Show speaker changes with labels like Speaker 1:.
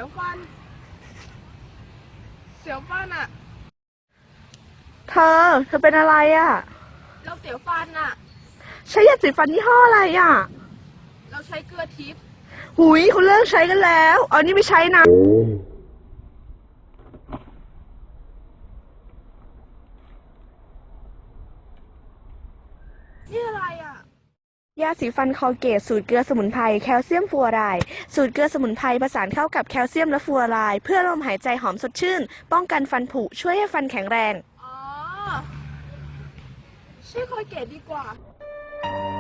Speaker 1: ฟันเสียวฟันอะ
Speaker 2: เธอเป็นอะไรอ่ะ
Speaker 1: เราเสียวฟันอะ
Speaker 2: ใช้ยาสีฟันยี่ห้ออะไรอ่ะ
Speaker 1: เราใช้เกลือทิพย์
Speaker 2: หุยเขาเลิกใช้กันแล้วเอานี่ไม่ใช้นะ
Speaker 1: นี่อะไรอะ
Speaker 2: ยาสีฟันคอลเกตสูตรเกลือสมุนไพรแคลเซียมฟลูออไรด์สูตรเกลือสมุนไพรผสานเข้ากับแคลเซียมและฟลูออไรด์เพื่อลมหายใจหอมสดชื่นป้องกันฟันผุช่วยให้ฟันแข็งแรง
Speaker 1: อ๋อชื่อคอยเกตดีกว่า